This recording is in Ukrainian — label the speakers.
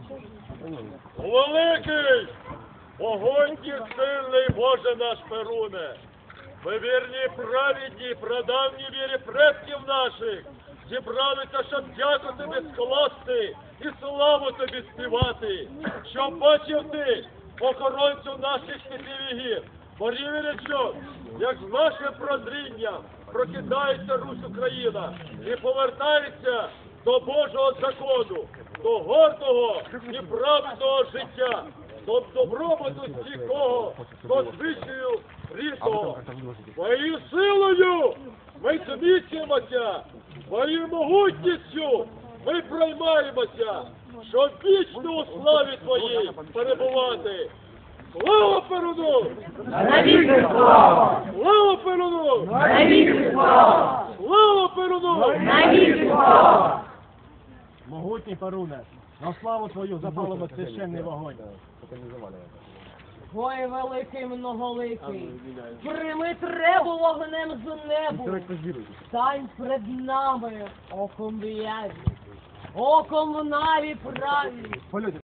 Speaker 1: Великий, могутній, сильний Боже наш Перуне, ми вірні і праведні, прадавній вірі предків наших, зібралися, щоб дяку тобі скласти і славу тобі співати, щоб бачив ти охоронцю наших степів і гір, морів і річок, як з нашим прозрінням прокидається Русь Україна і повертається до Божого закону, до гордого і праведного життя, до добробуту стійкого, до звичаю рідного. Твоєю силою ми зміцнюємося, твоєю могутністю ми приймаємося, щоб вічно у славі Твоїй перебувати. Слава Перуну!
Speaker 2: Навіки слава!
Speaker 1: Слава Перуну!
Speaker 2: Навіки слава!
Speaker 1: Слава Перуну!
Speaker 2: Навіки слава!
Speaker 3: Могутній Перуне, на славу Твою запалимо священний вогонь.
Speaker 4: Ой, великий многоликий, прийми требу вогнем з небу, стань пред нами, оком в'язні, оком в наві праві.